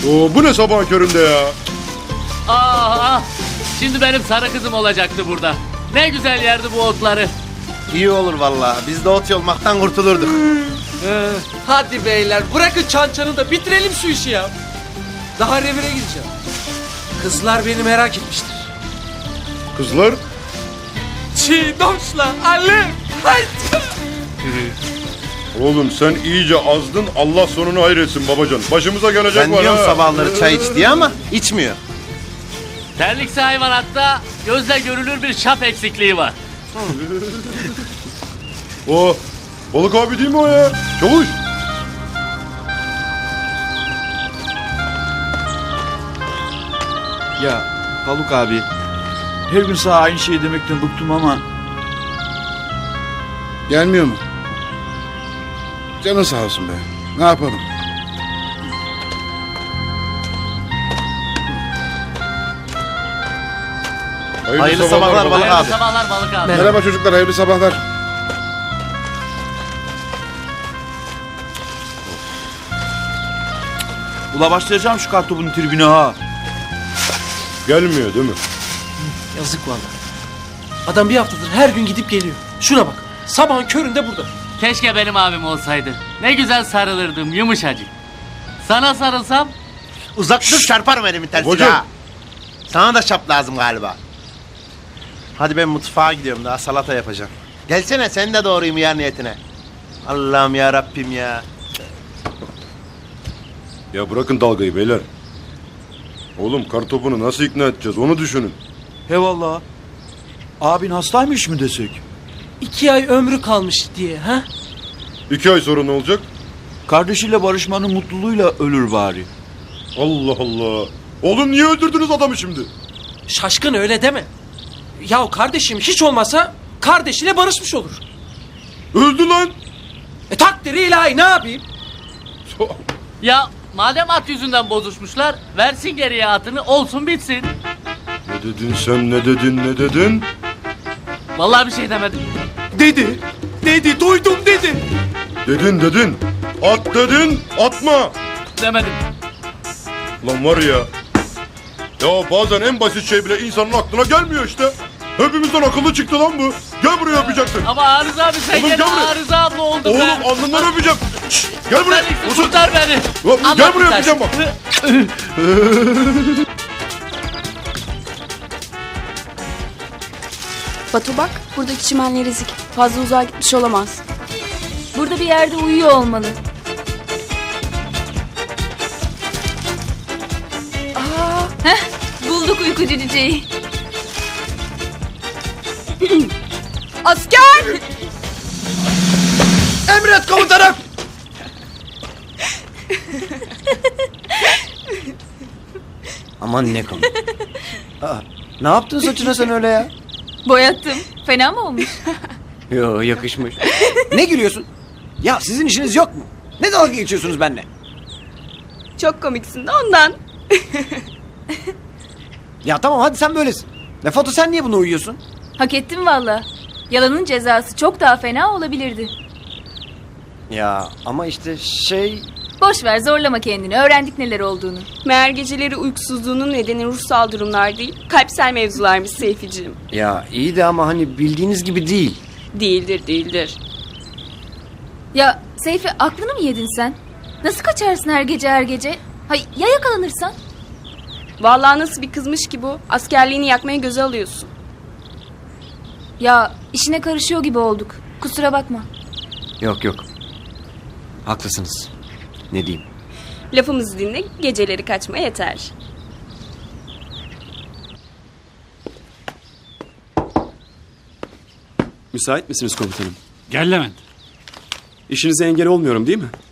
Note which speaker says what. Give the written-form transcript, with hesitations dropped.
Speaker 1: Oo, bu ne sabah köründe ya?
Speaker 2: Ah, şimdi benim sarı kızım olacaktı burada. Ne güzel yerdi bu otları.
Speaker 3: İyi olur vallahi. Biz de ot yolmaktan kurtulurduk.
Speaker 4: Hadi beyler bırakın çançanı da bitirelim şu işi ya. Daha revire gideceğim. Kızlar beni merak etmiştir.
Speaker 1: Kızlar?
Speaker 4: Çiğdoşla Ali. Haydi.
Speaker 1: Oğlum sen iyice azdın. Allah sonunu hayretsin babacan. Başımıza gelecek
Speaker 3: Ben
Speaker 1: var
Speaker 3: diyorum
Speaker 1: ha.
Speaker 3: sabahları çay iç diye ama içmiyor.
Speaker 2: Terliksi hayvanatta gözle görülür bir şap eksikliği var.
Speaker 1: O balık abi değil mi o ya? Çavuş.
Speaker 5: Ya Haluk abi, her gün sana aynı şeyi demekten bıktım ama
Speaker 6: Gelmiyor mu? Canın sağ olsun be. Ne yapalım?
Speaker 3: Hayırlı sabahlar balık
Speaker 2: Hayırlı
Speaker 3: abi.
Speaker 2: sabahlar balık abi.
Speaker 6: Merhaba çocuklar, hayırlı sabahlar.
Speaker 5: ula başlayacağım şu kartopun tribüne ha.
Speaker 1: Gelmiyor değil mi?
Speaker 4: Yazık vallahi. Adam bir haftadır her gün gidip geliyor. Şuna bak. Sabahın köründe burada.
Speaker 2: Keşke benim abim olsaydı. Ne güzel sarılırdım yumuşacık. Sana sarılsam
Speaker 3: Uzak dur çarparım elimin tersine
Speaker 1: Hocam.
Speaker 3: ha. Sana da şap lazım galiba. Hadi ben mutfağa gidiyorum, daha salata yapacağım. Gelsene sen de doğrayayım ya niyetine. Allah'ım ya Rabbim ya.
Speaker 1: Ya bırakın dalgayı beyler. Oğlum kartopunu nasıl ikna edeceğiz onu düşünün.
Speaker 5: He valla. Abin hastaymış mı desek?
Speaker 4: 2 ay ömrü kalmış diye ha?
Speaker 1: 2 ay sonra ne olacak?
Speaker 5: Kardeşiyle barışmanın mutluluğuyla ölür bari.
Speaker 1: Allah Allah. Oğlum niye öldürdünüz adamı şimdi?
Speaker 4: Şaşkın öyle deme. Yahu kardeşim hiç olmasa kardeşiyle barışmış olur.
Speaker 1: Öldü lan.
Speaker 4: Takdiri ilahi ne yapayım?
Speaker 2: ya madem at yüzünden bozuşmuşlar versin geriye atını olsun bitsin.
Speaker 1: Ne dedin sen, ne dedin, ne dedin?
Speaker 2: Vallahi bir şey demedim.
Speaker 4: Dedi. Dedi duydum dedi.
Speaker 1: Dedin. At dedin, atma.
Speaker 2: Demedim.
Speaker 1: Lan var ya. Ya bazen en basit şey bile insanın aklına gelmiyor işte. Hepimizden akıllı çıktı lan bu. Gel buraya öpeceksin.
Speaker 2: Ama Arıza abi sen
Speaker 1: Oğlum
Speaker 2: gene
Speaker 1: gel buraya.
Speaker 2: Arıza abla oldun be.
Speaker 1: Oğlum alnından öpeceğim. Şşş, gel buraya.
Speaker 2: Terliksi
Speaker 1: Otur.
Speaker 2: kurtar beni.
Speaker 1: Lan,
Speaker 2: Allah
Speaker 1: gel buraya
Speaker 2: kurtarsın.
Speaker 1: öpeceğim bak.
Speaker 7: Batu bak, buradaki çimenler ezik. Fazla uzağa gitmiş olamaz. Burada bir yerde uyuyor olmalı.
Speaker 8: Bulduk uykucu cüceyi.
Speaker 7: Asker!
Speaker 3: Emret komutanım. Aman ne komik. Ne yaptın saçına sen öyle ya?
Speaker 8: Boyattım. Fena mı olmuş?
Speaker 3: Yo, yakışmış. Ne gülüyorsun? Ya sizin işiniz yok mu? Ne dalga geçiyorsunuz benimle?
Speaker 7: Çok komiksin de ondan.
Speaker 3: Ya tamam hadi sen böylesin. Ne Foto sen niye buna uyuyorsun?
Speaker 8: Hak ettim valla. Yalanın cezası çok daha fena olabilirdi.
Speaker 3: Ya ama işte şey...
Speaker 8: Boş ver zorlama kendini. Öğrendik neler olduğunu.
Speaker 7: Meğer geceleri uykusuzluğunun nedeni ruhsal durumlar değil, kalpsel mevzularmış Seyficiğim.
Speaker 3: Ya iyi de ama hani bildiğiniz gibi değil.
Speaker 7: Değildir.
Speaker 8: Ya Seyfi aklını mı yedin sen? Nasıl kaçarsın her gece her gece? Hay ya yakalanırsan?
Speaker 7: Vallahi nasıl bir kızmış ki bu, askerliğini yakmaya göze alıyorsun.
Speaker 8: Ya işine karışıyor gibi olduk. Kusura bakma.
Speaker 3: Yok. Haklısınız. Ne diyeyim?
Speaker 7: Lafımızı dinle, geceleri kaçma yeter.
Speaker 9: Müsait misiniz komutanım?
Speaker 2: Gel Levent.
Speaker 9: İşinize engel olmuyorum değil mi?